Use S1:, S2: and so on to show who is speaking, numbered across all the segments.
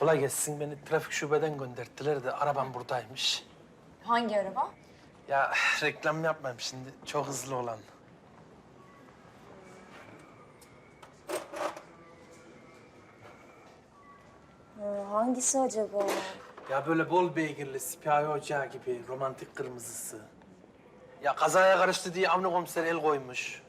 S1: Kolay gelsin. Beni trafik şubeden gönderdiler de arabam buradaymış.
S2: Hangi araba?
S1: Ya reklam yapmayayım şimdi. Çok hızlı olan.
S2: Hangisi acaba?
S1: Ya böyle bol beygirli, sipahi ocağı gibi romantik kırmızısı. Ya kazaya karıştı diye Avni komiser el koymuş.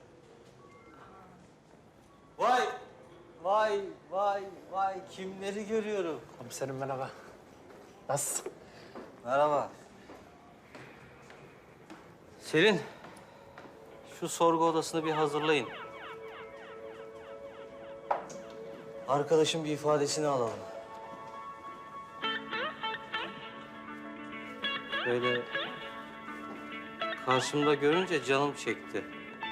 S3: Vay, vay, vay, vay. Kimleri görüyorum?
S1: Komiserim merhaba. Nasılsın?
S3: Merhaba. Selin, şu sorgu odasını bir hazırlayın. Arkadaşın bir ifadesini alalım. Böyle karşımda görünce canım çekti.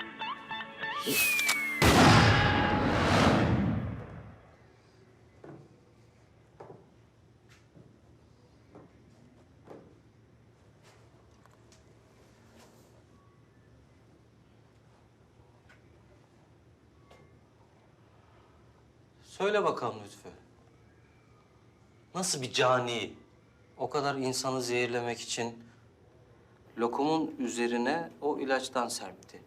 S3: Söyle bakalım Lütfü. Nasıl bir cani? O kadar insanı zehirlemek için lokumun üzerine o ilaçtan serpti.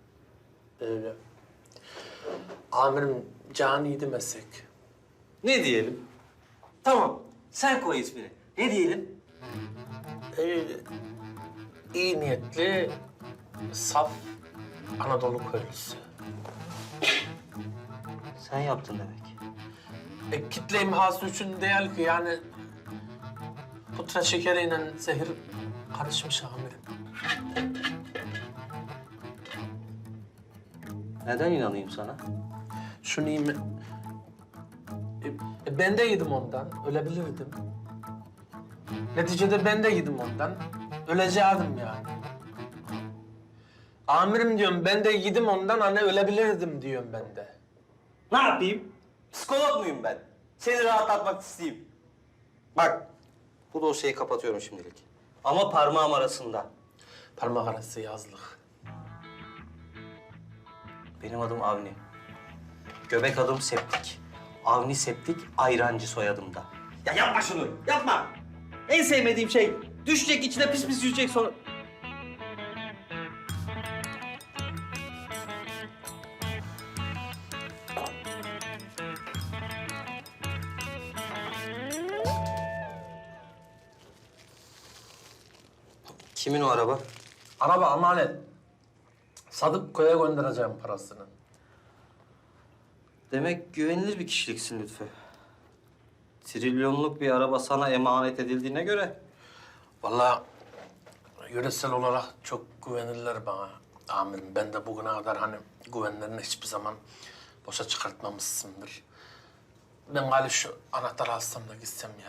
S1: Amirim caniydi meslek.
S3: Ne diyelim? Tamam, sen koy ismini. Ne diyelim?
S1: İyi niyetli, saf Anadolu köylüsü.
S3: Sen yaptın demek.
S1: Kitle imhası için değil ki yani putra şekeriyle zehir karışmış amirim.
S3: Neden inanayım sana?
S1: Şunu iyi mi? Ben de yedim ondan, ölebilirdim. Neticede ben de yedim ondan, öleceğim yani. Amirim diyorum, ben de yedim ondan, hani ölebilirdim diyorum ben de.
S3: Ne yapayım? Psikolog muyum ben? Seni rahatlatmak isteyeyim. Bak, bu dosyayı kapatıyorum şimdilik. Ama parmağım arasında.
S1: Parmak arası yazlık.
S3: Benim adım Avni. Göbek adım Septik. Avni Septik, ayrancı soyadımda. Ya yapma şunu, yapma! En sevmediğim şey, düşecek içine pis pis yüzecek sonra... Kimin o araba?
S1: Araba emanet. Sadık köye göndereceğim parasını.
S3: Demek güvenilir bir kişiliksin Lütfü. Trilyonluk bir araba sana emanet edildiğine göre...
S1: Vallahi yöresel olarak çok güvenirler bana amirim. Ben de bugüne kadar hani güvenlerini hiçbir zaman boşa çıkartmamışsındır. Ben galiba şu anahtarı alsam da gitsem ya.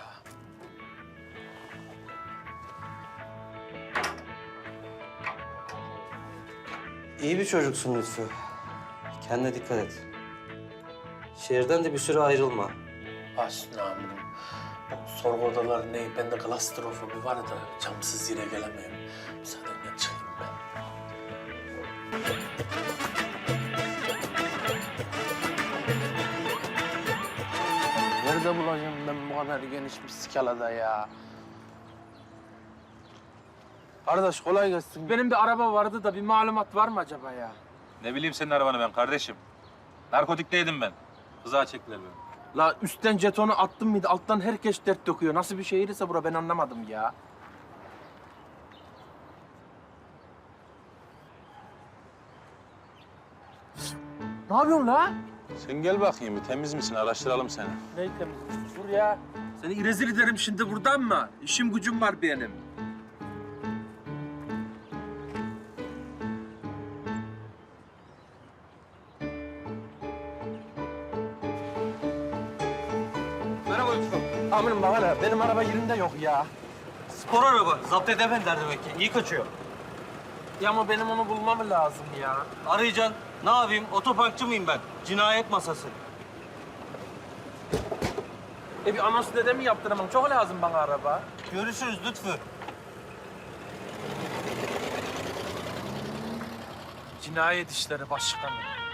S3: İyi bir çocuksun Lütfü. Kendine dikkat et. Şehirden de bir süre ayrılma.
S1: Başüstüne amirim. Bu sorgu odaları ne? Bende klastrofobi var da camsız yere gelemiyorum. Müsaadenle çıkayım ben. Nerede bulacağım ben bu kadar geniş bir skalada ya? Kardeş kolay gelsin. Benim bir araba vardı da bir malumat var mı acaba ya?
S4: Ne bileyim senin arabanı ben kardeşim. Narkotikteydim ben. Kıza çektiler beni.
S1: La üstten jetonu attım mıydı? Alttan herkes dert döküyor. Nasıl bir şehir ise bura ben anlamadım ya. Ne yapıyorsun la?
S4: Sen gel bakayım bir temiz misin? Araştıralım seni.
S1: Ne temiz? Dur ya. Seni rezil ederim şimdi buradan mı? İşim gücüm var benim.
S3: Merhaba Lütfü.
S1: Amirim bak hele, benim araba yerinde yok ya.
S3: Spor araba. Zapt edemediler demek ki. İyi kaçıyor.
S1: Ya ama benim onu bulmam lazım ya.
S3: Arayacaksın. Ne yapayım? Otoparkçı mıyım ben? Cinayet masası.
S1: Bir anons dede mi yaptıramam? Çok lazım bana araba.
S3: Görüşürüz Lütfü.
S1: Cinayet işleri başkanım.